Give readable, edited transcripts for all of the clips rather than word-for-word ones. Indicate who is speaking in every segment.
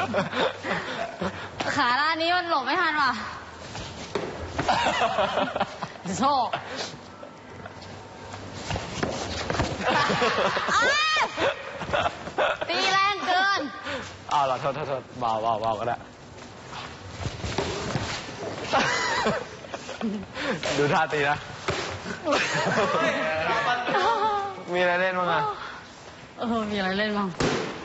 Speaker 1: ขาด้านนี้มันหลบไม่ทันว่ะโชคตีแรงเกิน
Speaker 2: เอาล่ะโทษเบาก็ได้ดูท่าตีนะมีอะไรเล่นบ้างอ่ะ
Speaker 1: มีอะไรเล่นบ้าง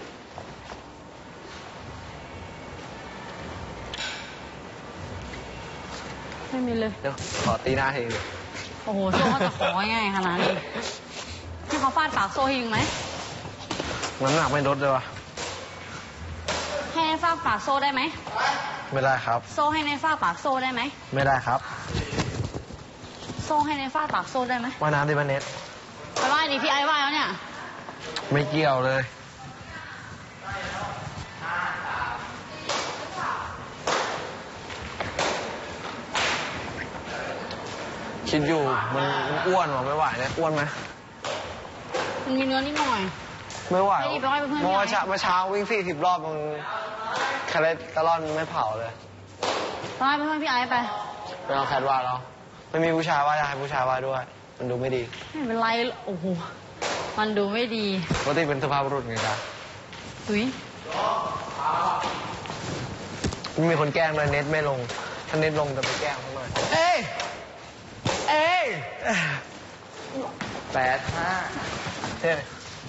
Speaker 1: ไม่มีเลย
Speaker 2: เดี๋ยวขอตีหน้าทีนึง
Speaker 1: โอ้โหโซ่เขาจะของ่ายขนาดนี้ที่เขาฟาดปากโซ่ให้ยิงไหม
Speaker 2: น้ำหนักไม่ลดเลยวะ
Speaker 1: ให้ในฟาดปากโซ่ได้ไหม
Speaker 2: ไม่ได้ครับ
Speaker 1: โซ่ให้ในฟาดปากโซ่ได้ไหม
Speaker 2: ไม่ได้ครับ
Speaker 1: โซ่ให้ในฟาดปากโซ่ได้ไหม
Speaker 2: ว่ายน้ำดิบันเน็ต
Speaker 1: ไปว่ายดิพี่ไอ้ว่ายแล้วเนี่ย
Speaker 2: ไม่เกี่ยวเลยคิดอยู่มันอ้วนหรอไม่ไหวเนี่ยอ้วนไหม
Speaker 1: มันมีเนื้อนิดหน่อย
Speaker 2: ไม่ไหว
Speaker 1: ไปว่ายเป็นเพื่อน
Speaker 2: เมื่อเช้าวิ่ง40 รอบมันคาเลสเตอรอลไม่เผาเลย
Speaker 1: ไปว่ายเป็นเพื่อนพี่ไอ้ไป
Speaker 2: เอาแคทว่าแล้วไม่มีผู้ชายว่าจะให้ผู้ชายว่าด้วยมันดูไม่ดี
Speaker 1: ไม่เป็นไรโอ้โหมันดูไม่ดี
Speaker 2: ปกติเป็นสภาพบุรุษไงครับ
Speaker 1: อุ้ย
Speaker 2: มีคนแกล้งเลยเน็ตไม่ลงถ้าเน็ตลงจะไปแกล้งเขาหน่อยเอ้ย8-5เท่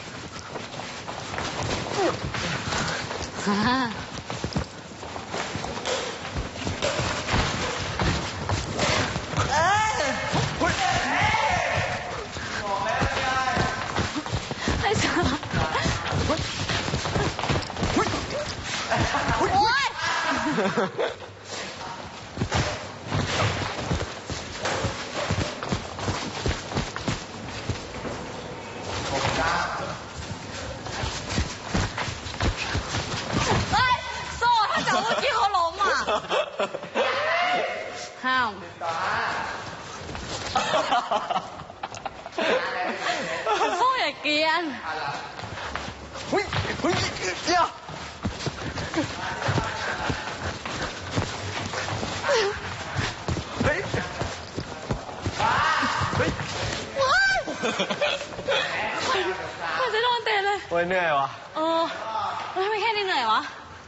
Speaker 1: ไอ้สัสโอ๊ยโซ่ถ้าจับเมื่อกี้เขาล้มอ่ะห้ามโซ่อย่าเกลียน
Speaker 2: เดี๋ยว
Speaker 1: มันจะโดนเตะเลย
Speaker 2: โอ้ยเหนื่อยวะ
Speaker 1: ไม่แค่นี้เหนื่อยวะ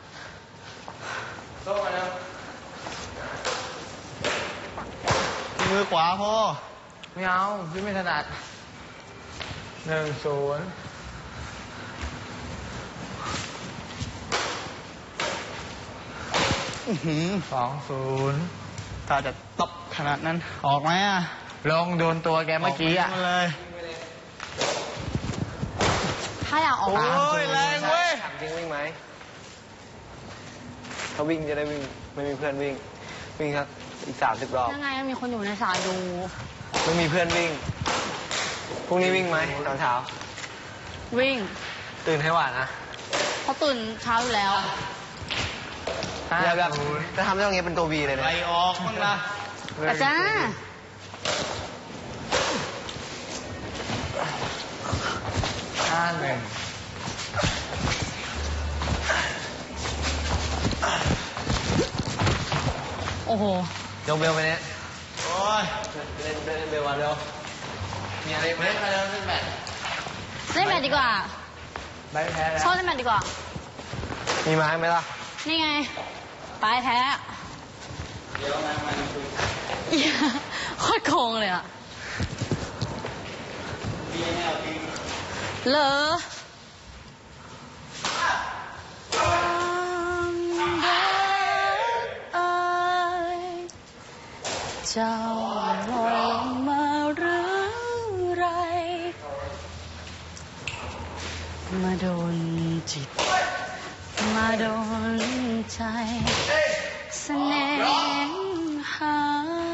Speaker 2: มือขวาพ่อไม่เอาพี่ไม่ถนัด1-0 2-0ถ้าจะตบขนาดนั้นออกไหมอ่ะลงโดนตัวแกเมื่อกี้อ่ะเลย
Speaker 1: ถ้าอยากออก
Speaker 2: โอ้ยแรงเว้ยจริงวิ่งไหมเขาวิ่งจะได้วิ่งไม่มีเพื่อนวิ่งครับอีก30 รอบ
Speaker 1: ยังไงมีคนอยู่ในสายดู
Speaker 2: ไม่มีเพื่อนวิ่งพรุ่งนี้วิ่งไหมตอนเช้า
Speaker 1: วิ่ง
Speaker 2: ตื่นให้หวานนะ
Speaker 1: เขาตื่นเช้าอยู่แล้ว
Speaker 2: อย่าแบบจะทำได้ตรงนี้เป็นตัววีเลยนะไปออกบ้างนะ
Speaker 1: อาจารย์
Speaker 2: 5-1
Speaker 1: โอ้โห
Speaker 2: ยกเบลไปเนี่ยโอ้ยเล่นเบลวันเร็วมีอะไรเล่นไปแล้วเล่นแบด
Speaker 1: ดีกว่า
Speaker 2: ไปแพ้แล้ว
Speaker 1: ชอบเล่นแบดดีกว่า
Speaker 2: มีไม้ไหมล่ะ
Speaker 1: นี่ไงไปแพ้
Speaker 2: เดี๋ยวมาคุย
Speaker 1: โคตรโกงเลยอ่ะเหรอเจ้าลงมาหรือไรมาโดนจิตมาโดนใจเสน่หา